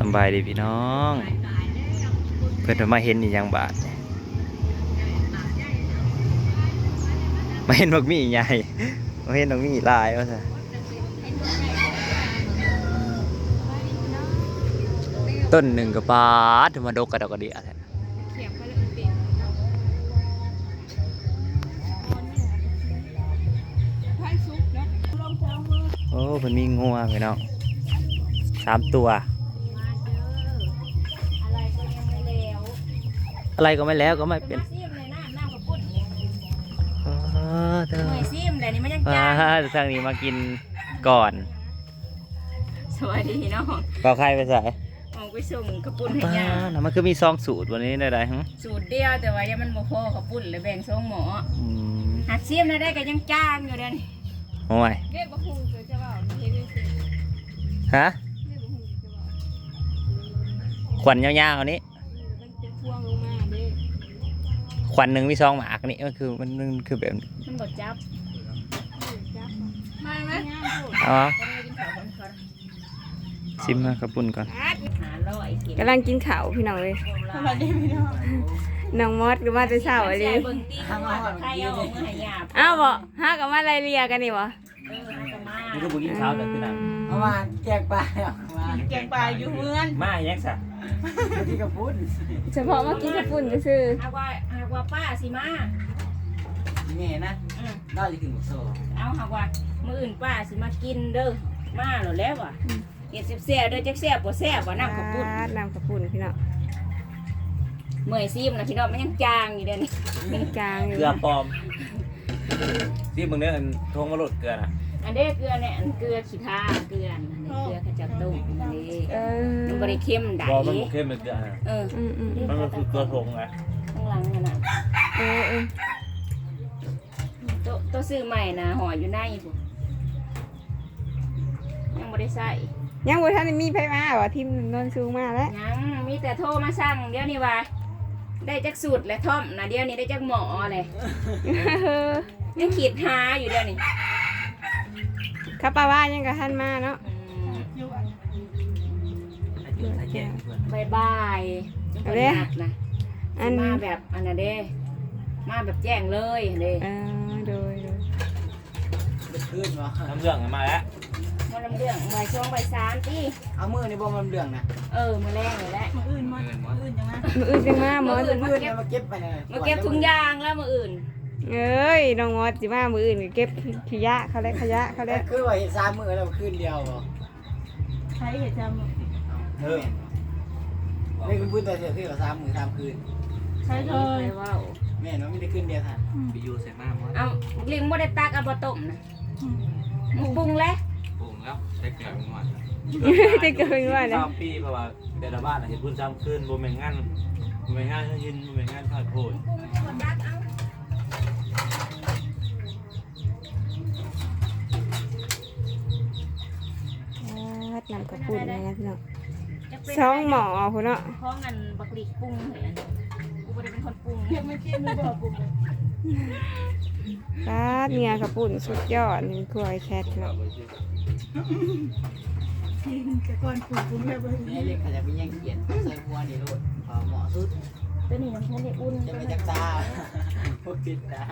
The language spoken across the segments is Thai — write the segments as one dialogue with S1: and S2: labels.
S1: สบายดีพี่น้องเพื่อนมาเห็นอีกอย่างบาทมาเห็นบักมี่ใหญ่มาเห็นบักมี่ลายว่าซะต้นหนึ่งกับบาทมาดกกระดกกระเดียแท้โอ้เพิ่นมีงัวพี่น้อง3 ตัวอะไรก็ไม่แล้วก็ไม่เป็นเธอซิมเลยนี่มันยังจ้างทางนี้มากินก่อน
S2: สวัสดีน้อง
S1: เปล่าใครไปใส่
S2: มองไปส่งกระปุ่นให้ย่า
S1: มันคือมี2 สูตรวันนี้ได้ฮะ
S2: สูตรเดียวแต่ว่ายังมันบ่พอกระปุ่นเลยแบ่งส่งหมอหัดซิมได้ก็ยังจ้างอยู่เด้นี่
S1: โอ้ย
S2: เรียกบ่ฮู้จะว่าเฮ็ดจัง
S1: ซี่ฮะขวัญยาวๆอันนี้ขวัญหนึ่งมี2 หมากนี่มันคือแบบ
S2: มันบ่จับมาไหม
S1: เอาชิมมากระปุ่นก่อน
S3: กำลังกินข้าวพี่น้องเลยน้องมดก็มาแต่เช้าอะไรอ้าวบ่ฮะกับมาอะไรเรียกันนี่บ่
S1: นี่ก็บุกินข้าวแต่คือนั่น
S4: เอามาแกงปลา
S2: แกงปลาอยู่เมือง
S1: มาแยกซะ
S4: ที่กระปุ้น
S3: เฉพาะมากินกระปุ่นซื่อ
S2: หากว่าป้าสิมา
S4: แม่นะได้จะถึงโซ่
S2: เอาหากว่ามื้ออื่นป้าสิมากินเด้อมาแล้วว่ะเฮ็ดแซ่บๆเด้อจักแซ่บบ่แซ่บบ่น้ำกระปุ่น
S3: น้ำกระปุ่นพี่น้อง
S2: เมื่อยซิมนะพี่น้องมันยังจางอยู่เด้อนี่
S3: ยังจางอยู่
S1: เกลือปลอมที่มึงเนี่ยทงมาหลุดเกลือนะ
S2: อันนี้เกลือเนี่ยเกลือขี้ทาเกลือเกลือขจัดตุ่มอันนี้มันบริเข้มได้
S1: มันเข้มเป็นเกลือมันคือเกลือทงไง
S2: ข้างหลังน่ะตัวซื้อใหม่นะห่ออยู่ในผมยังไม่ได้ใส่
S3: ยังบ่ทันมีไผมาบ่ทีมนนสูงมาแล้ว
S2: ยังมีแต่โทรมาสั่งเดี๋ยวนี้ว่าได้จักสูตรและท่อมนะเดี๋ยวนี้ได้จักหมอเลยยังขีดหาอยู่เดี๋ยวนี้
S3: ข้าป้าว่ายังกับท่านมาเนาะ
S2: บาย
S3: เอาเลย
S2: นะมาแบบอันนั้นเด้มาแบบแจ้งเลยเด้
S3: โดย
S4: ขึ้นวะ
S1: น้ำเรื่องมาแล้ว
S2: มาลำเรื่องใบช่วงใบ3ที่
S4: เอามือในบ่มันเรื่องนะ
S2: มือแรงเลยแหละมืออื่นจังมา
S3: มืออื่น
S4: มาเก็บไปเลย
S2: มาเก็บถุงยางแล้วมืออื่น
S3: เอ้ยน้องมดสิมามืออื่นเก็บขยะเขาแล้ว
S4: คือว่าเห็น3 มื้อแล้วคืนเดียวบ่
S2: ใช้เห็ดจำ
S4: ไม่คุณพูดแต่เสียคือ3 มื้อ3 คืน
S2: ใช่เลยว้าว
S4: แม่น้องไม่ได้คืนเดียวค่ะไปอยู่ใส่มากมั้ง
S2: เอาลิงบ่ได้ตักเอาบ่ต้มนะปรุงแล้ว
S1: ได้เกลือเป็นวัน
S3: ได้เกลือเป็นวัน
S1: นะ3 ปีเพราะว่าแต่ละบ้านเห็นพุ่น3 คืนบ่แม่งงานยินบ่แม่งงานทอดโพด
S3: น้ำกระปุ้นนะพี่น้อง2 หม้อพุ่นเนาะ
S2: เพราะงั้นบักหลีปรุงเหมือนกูบ่ได้เป็นคนปรุงไม่กินไม่บ่ปรุง
S3: เนี่ยกระปุ้นสุดยอดนี่กล้วยแคทเนาะ
S4: แต่ก่อนปรุงแบบนี้เล็กเขาจะไปยังเขียนใส่หัวนี่โลดเหมาะสุด
S2: ตัวนี้มันแค่ได้อุ่น
S4: จะไปจักตาพวกติดตา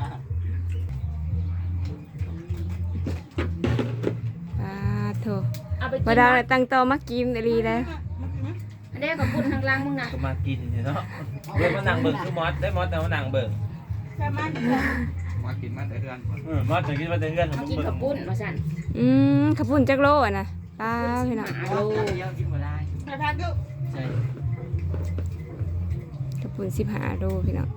S3: โถมาดาวตั้งโตมากินอะไรเลย
S2: อันนี้กับปุ่นทางล่างมึงนะ
S1: ก็มากินเนาะเดี๋ยวมานั่งเบิ่งคือมอสได้มอสแต่มานั่งเบิ่งมากินมาแต่เดือนมอสจะกินมาแต่เดือน
S2: มากินกับปุ่นมาสั่น
S3: ขับปุ่นจักโลอ่ะนะป้าพี่น้อง
S4: กินหมดได้
S2: ไปพักดู
S4: ใช่
S3: ขับปุ่น15 โลพี่น้อง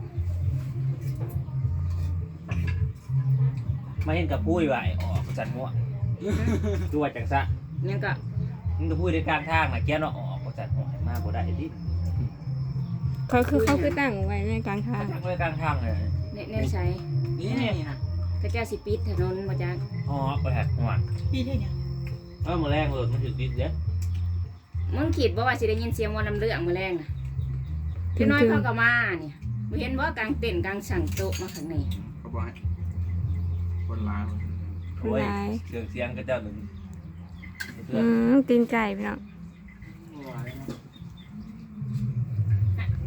S1: มาเห็นกับปุ้ยไหวออกจันม่วงตัวจังซะ
S2: ยังก็
S1: มึงก็พูดในกลางทางนะแกเนาะออกจัดหัวมาบ่ได้ดิ
S3: เขาตั้งไว้ในกลางทาง
S1: ตั้งไว้กลางทางเลย
S2: เนี่ยใช้
S4: นี่นะ
S2: กระเจ้าสิปิดถนนบ่จัง
S1: ไปแหกหัว
S2: ปิดได้ยัง
S1: มื้อแรงรถมันถึงติดเด้
S2: มึงคิดบ่ว่าสิได้ยินเสียงว่าน้ำเรื่องมื้อแรงน่ะพี่น้อยเขาก็มาเนี่ยบ่เห็นบ่กลางเต็นท์กลางสั่งโต๊ะมาข้างใน
S1: เขาบอกให้คนร้ายโอ้ยเสียงกระเจ้าหนึ่ง
S3: ตีนไก่พี่น้อง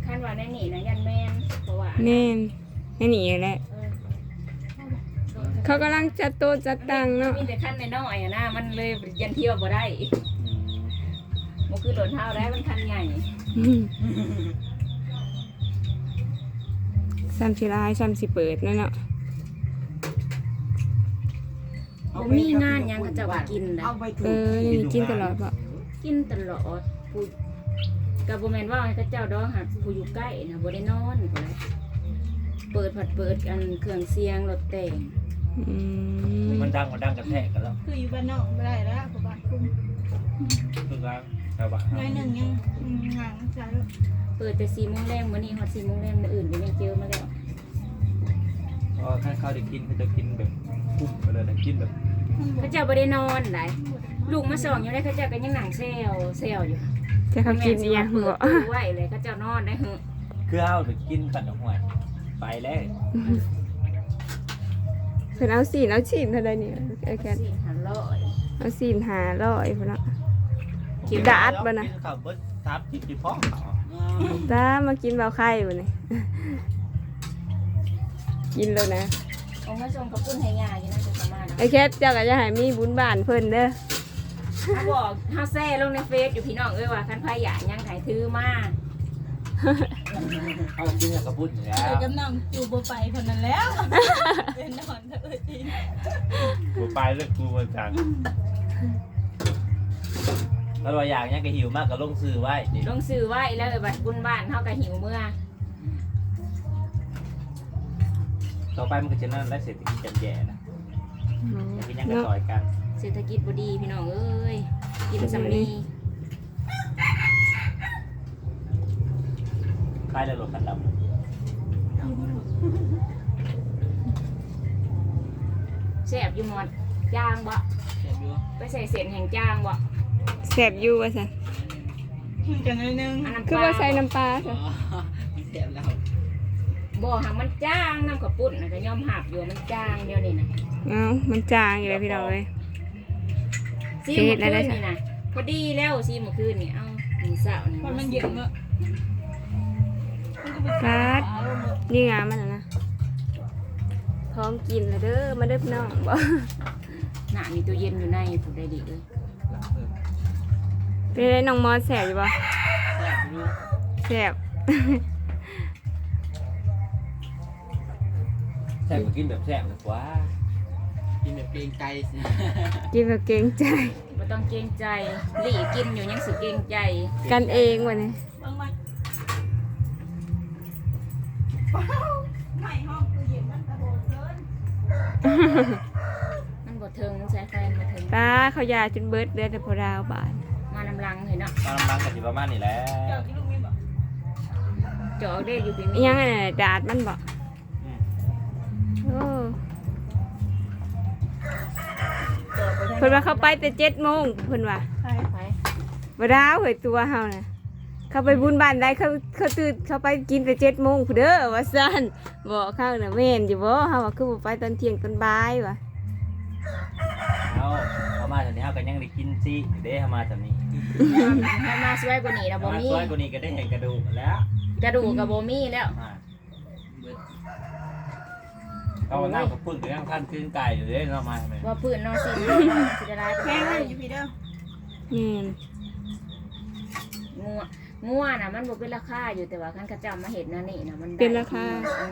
S2: ขั้นว่าในนี่นะยันแมนเพราะว่า
S3: แน่นให้หนีแหละ
S2: เออ
S3: เขากำลังจัดโต๊ะจัดตังเนาะ
S2: มีแต่ขั้นน้อยๆอะนะมันเลยยันเที่ยวบ่ได้มันคือโดนเท้าได้มันคันใหญ่
S3: ซ้ำสิลายซ้ำสิเปิดนั่นเนาะ
S2: บ่มีงานหยังเขาเจะว่ากินนะ
S4: เอาไป
S3: เอ
S4: ถูก
S3: อยังกินตลอดบ่
S2: กินตลอดผู้กับบ่แม่นว่าให้เขาเจ้าดอกหักผู้อยู่ใกล้นะบ่ได้นอนพุ่นแหละเปิดเปิดอันเครื่องเสียงรถแต่ง
S3: อืม
S1: มันดังกระแทกกันแล้ว
S5: คืออยู่บ้านนอกไม่ได้แล้วกับบ้านคุ้ม
S1: คือการชาวบ้าน
S5: น้อยหนึ่งยังห่างใจ
S2: เปิดแต่4:00 นแรงมื้อนี้ฮอด4:00 นแรงมื้ออื่นก็ยังเจอมาแล้ว
S1: เพราะถ้าเขาได้กินเขาจะกินแบบคุ้มไปเลยนะกินแบบ
S2: เขาเจ้าบ่ได้นอนได้ลูกมาส่องอยู่ได้เขาเจ้าก็ยังนั่งแซวอยู่
S3: จะเขากินอีหยัง
S2: เปิ
S3: บ่
S2: ดตู้ไว้เลยเขาเจ้านอนได้เหอะ
S1: คือเอาไปกินกันดอกหวยไปแล้ว
S3: เพิ่นเอาสีนเท่าใดนี่ไอ้แคท
S2: 4,500
S3: เอาสีน500พุ่นเนาะ กินดาดบ่นะ
S1: กินข้าวเบิดทับกินพ่อเขา
S3: ตามากินเบาไข่บ่นี่ กินแล้วนะ
S2: เอามาส่งกับปุ้นให้ยาอยู่นะจะสามารถ
S3: ไอ้แคทเจ้าก็จะให้มีบุญบ้านเพิ่นเด้อ
S2: ถ้าบอกถ้าแซ่ลงในเฟซอยู่พี่น้องเอ้ยว่าคันพายอยากยังถ่ายถือมา
S1: เอากินกับกระปุ้นอยู่แล้ว
S5: เดี๋ยวกำลังจูบไปคนนั้นแล้วเป็นนอนเถอะจริง
S1: กูไปเรื่องกูมาจากแล้วว่าอย่างนี้ก็หิวมากก็ลงซื้อไว้ดิ
S2: ลงซื้อไว้แล้วบัดบุญบ้านเฮาก็หิวเมื่อ
S1: ต่อไปมันก็จะนั่นและเศรษฐกิจจำแย่นะอยากกินยังก็ต่อยกัน
S2: เศรษฐกิจบ่ดีพี่น้องเอ้ยกินสำนี
S1: คล้ายเลยรถคันดำ
S2: แซ่บอยู่หมดจางบ่
S4: เสียบอยู่
S2: ไปใส่เศษแห่งจางบ่
S3: แซ่บอยู่ว่าซั่น
S5: จังเลยนึง
S2: อันน้ำป
S3: คือ
S2: ลา
S3: ว่าใส่น้ำปลา
S4: อ๋
S3: ซะ
S4: อเสียบแล้ว
S2: บ่หังมันจางน้ำกับปุ้นน่ะก็ยอมหับอยู่มันจางเดียวนี่นะ
S3: เอ้ามันจางอยู่แล้วพี่น้องเอ้ย
S2: ซีเมื่อคืนนี่นะพอดีแล้วซีเมื่อคืนนี่เอ้ากินเสาร์นี่
S5: คนมันเย็นเนอะ
S3: กัดนี่งามมันน่ะนะพร้อมกินแล้วเด้อมาเด้อพี่น้องบ่
S2: น่ะมีตู้เย็นอยู่ในผู้ใดดีเลย
S3: เป็นไรน้องมอสแซ่บอยู่บ่
S4: แซ่บอยู่
S3: แซ่บ
S1: แซ่บก็กินแบบแซ่บเลยกว่า
S4: กินแบบเกรงใจสิ
S3: กินแบบเกรงใจ
S2: บ่ต้องเกรงใจหลี่กินอยู่ยังสิเกรงใจ
S3: กันเองวะนี่
S5: บางวันไม่ห้องคือเย็นมันกระโดดเกิน
S2: มันบ่เทิงใช้ไฟบ่เทิง
S3: ตาเขายาจนเบิดเดือนแต่พอดาวบาท
S2: มานำลังเห็นเนาะ
S1: ตอนน้ำล้างกับสิประมาณนี้แหละ
S5: เจ้าที่ลูกมีบอก
S2: จอกได้อยู่พี่
S3: อิ
S2: มี
S3: หยังไงดาดมันบ่โอ้
S2: จอกไป
S3: เพิ่นว่าเขาไปแต่7:00 นเพิ่นว่า
S5: ใคร
S2: ไป
S3: บ่ดาวเฮ้ยตัวเฮาน่ะเขาไปบุญบ้านได้เขาตื่นเขาไปกินแต่7:00 นพุ่นเด้อว่าซั่นบอกเขาน่ะแม่นอยู่บ่เฮาว่าคือบ่ไปตอนเที่ยงตอนบ่ายว่ะ
S1: เอามาแถวนี้เอากันยังได้กินสิเด้เอามาแถวนี้
S2: ถ้ามาสวยกว่านี้นะบ่
S1: มา
S2: มี
S1: สวยกว่านี้ก็ได้เห็นกระดูกแล้ว
S2: กระดูกกับบ่มีแล้ว
S1: มา
S4: เบิด
S1: เอาหน้ากับพุ่นก็ยังท่านขึ้นไก่อยู่เด้เนาะมาทำไม
S2: ว่าพื้นนอนสิสิได้ร้าย
S5: แม่
S2: ไป
S5: ให้
S2: ได้
S5: อยู่พี่เด้อ
S3: แม่น
S2: งัวน่ะมันบ่เป็นราคาอยู่แต่ว่าคันเขาเจ้ามาเฮ็ดนั่นนี่น่ะมันได้
S3: เป็นราคา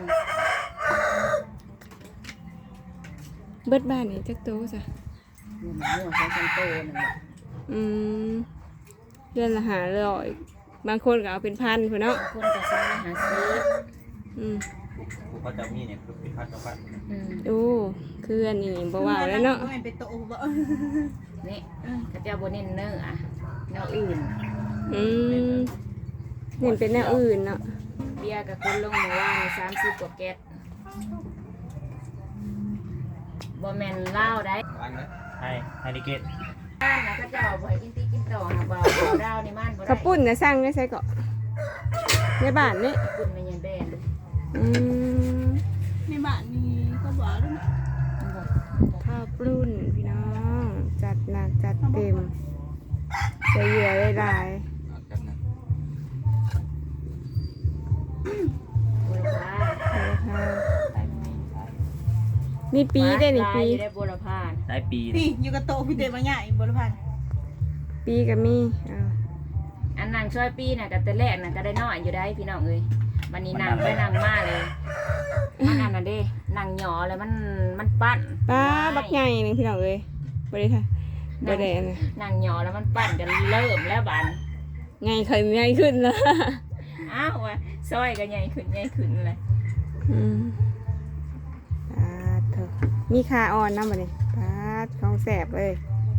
S3: เบิดบ้านนี่จักโตซะ
S2: งัวใส่ซันโตนั่นแหละ
S3: อืมเดือนละ500บางคนก็เอาเป็นพันพุ่นเนาะ
S2: คนก็ซื้อมาหาซื้อ
S3: อืม
S1: กูเขาจะมีเนี่ยคือเป็นพัดกับพัด
S3: โอ้คืออันนี้บ่ว่าแล้วเนาะ
S5: ไม่เป็นโตบ่
S2: นี่เขาเจ้าบ่เน้นเนื้ออะแนวอื่น
S3: อืมเห็นเป็นแนวอื่นเนาะ
S2: เบียร์กับคนลงเมื่อวาน30กว่าแก๊สบ่แม่นเหล้าได้
S4: วางนะ
S1: ให้นิเกต
S2: บ้านน่ะเขาเจ้าบ่ให้กินตีกินต่อนะบ่เอาดาวในบ้านบ่ได้
S3: ข้าวปุ้นนะสั่งได้ใส่เกาะในบ้านนี่
S2: คุณมันยังแบน
S3: อืม
S5: ในบ้านนี่ก็บอกแล้วนะ
S3: ข้าวปุ้นพี่น้องจัดหนักจัดเต็มจะเหยื่อหลาย
S4: เอากันนะ
S3: ๆมีปีได้นี่
S2: ลาย
S3: ปี
S2: อยู่ได้บุรพา
S1: ได้ปี
S5: พี่อยู่กับโตพี่เตบางอย่างอีกบริพันธ์
S3: ปีก็มีเอา
S2: อันนางช่วยปีน่ะกับแต่แรกน่ะก็ได้น้อยอยู่ได้พี่น้องเอ้ยวันนี้นางไปนางมาเลยมันนั่นน่ะเด้นางหยอเลยมันปั้น
S3: ป้าบักใหญ่นึงพี่น้องเอ้ยบ่ได้ค่ะบ่ได้อันนะ
S2: นางหยอแล้วมันปั้นกันเริ่มแล้วบาน
S3: ใหญ่ขึ้นใหญ่ขึ้นนะ
S2: อ้าวว่ะซอยก็ใหญ่ขึ้นเลย
S3: อืมปาดเถอะมีขาอ่อนนำบ่นี่ปาดของแซ่บเลย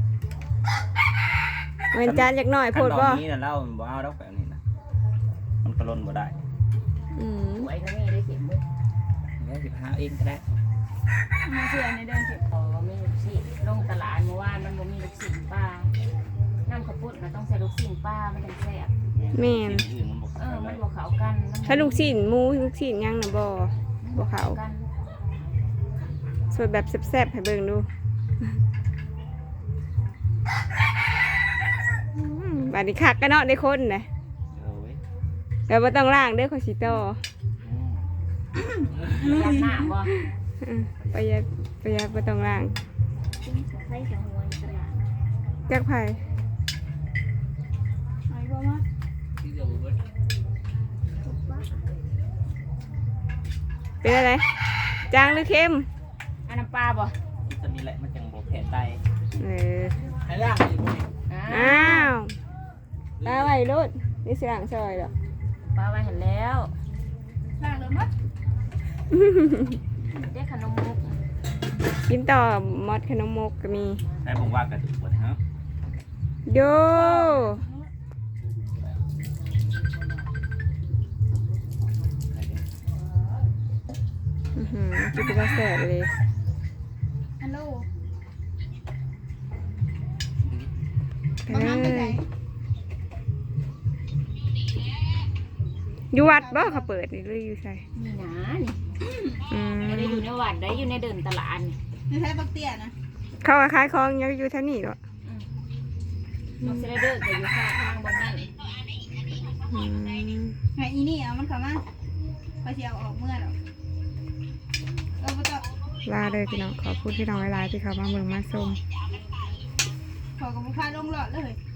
S3: เว้นจานจักหน่อยโพดบ่
S1: อันนี้น่ะเล่าบ่เอาดอกแบบนี้นะมันกระล้นบ่ได้
S3: อืม
S2: หวยก็มีได้เข็มมือ
S1: เดี๋ยวสิพาเองก็ได้
S5: มาเชื่อในเดินเก็บ
S2: พอมีลูกศิษย์ลงตลาดเมื่อวานมันบ่มีลูกศิษย์ป้าน้ำข้าวปุ้นมันต้องใส่ลูกศิษย์ป้ามันถึงแซ่บ
S3: แม่น
S1: อื่นมันบ่
S2: เอ
S1: เข้า
S2: อ
S1: กั
S2: มัน นบ่เข้ากัน
S3: ถ้าลูกชิ้นหมูลูกชิ้นหยังน่ะบ่เข้า
S2: กัน
S3: สวยแบบแซ่บๆให้เบิ่งดูบัดนี้คักกันเนาะได้คนน่ะ
S1: เว้ย
S3: แล้วบ่ต้องล้างเด้อขอยสิต่อ
S2: ยัดหน้าบ่
S3: อืมประหยัดบ่ต้องล้าง
S2: ใส่สังวนตลาด
S3: จักไผ
S5: ไอ้บ่มา
S3: เป็นอะไรจางหรือเค็ม
S2: อันน้ำปลาบ่
S1: ที่จะมีแหละมันจังบ่แผลไต
S3: เออ
S4: ให้ล่างอีกบ่
S3: อ้าวตาไว้รุดนี่สิล้างซอยดอก
S2: ปลาไว้เห็นแล้ว
S5: ล่างเลยมัด
S2: ได้ขนมมุก
S3: กินต่อมอดขนมมกก็มี
S1: ได้ผมว่ากระตุกบ่ฮะ
S3: โยกินไปแล้วแสบเลย
S5: ฮัลโหล
S3: ไป
S5: บาง
S3: เล
S5: ครั้งไปไหน
S3: ยอยู่วัดบ่เขาเปิดนี่หรืออยู่ใส่
S2: นี่นะนี่
S3: อืม
S2: ไม่ได้อยู่ในวัดได้อยู่ในเดินตลาดนี่
S5: ไม่ใช่บักเตี้ยนะ
S3: เขาก็ขายของยังอยู่แถวนี้หรอ
S2: น้องเซเลเดอร์ก็อยู่ข้างทางบนนั่น
S3: อืม
S5: ไงอีนี่เอามันเข้ามาไปเที่ยวออกเมื่อหรอกบ่ต้อง
S3: ลาเลยพี่น้องขอพูดพี่น้องหลายๆที่เขามาเมืองมาส้ม
S5: ขอกับบุคคาลงหลอดเลย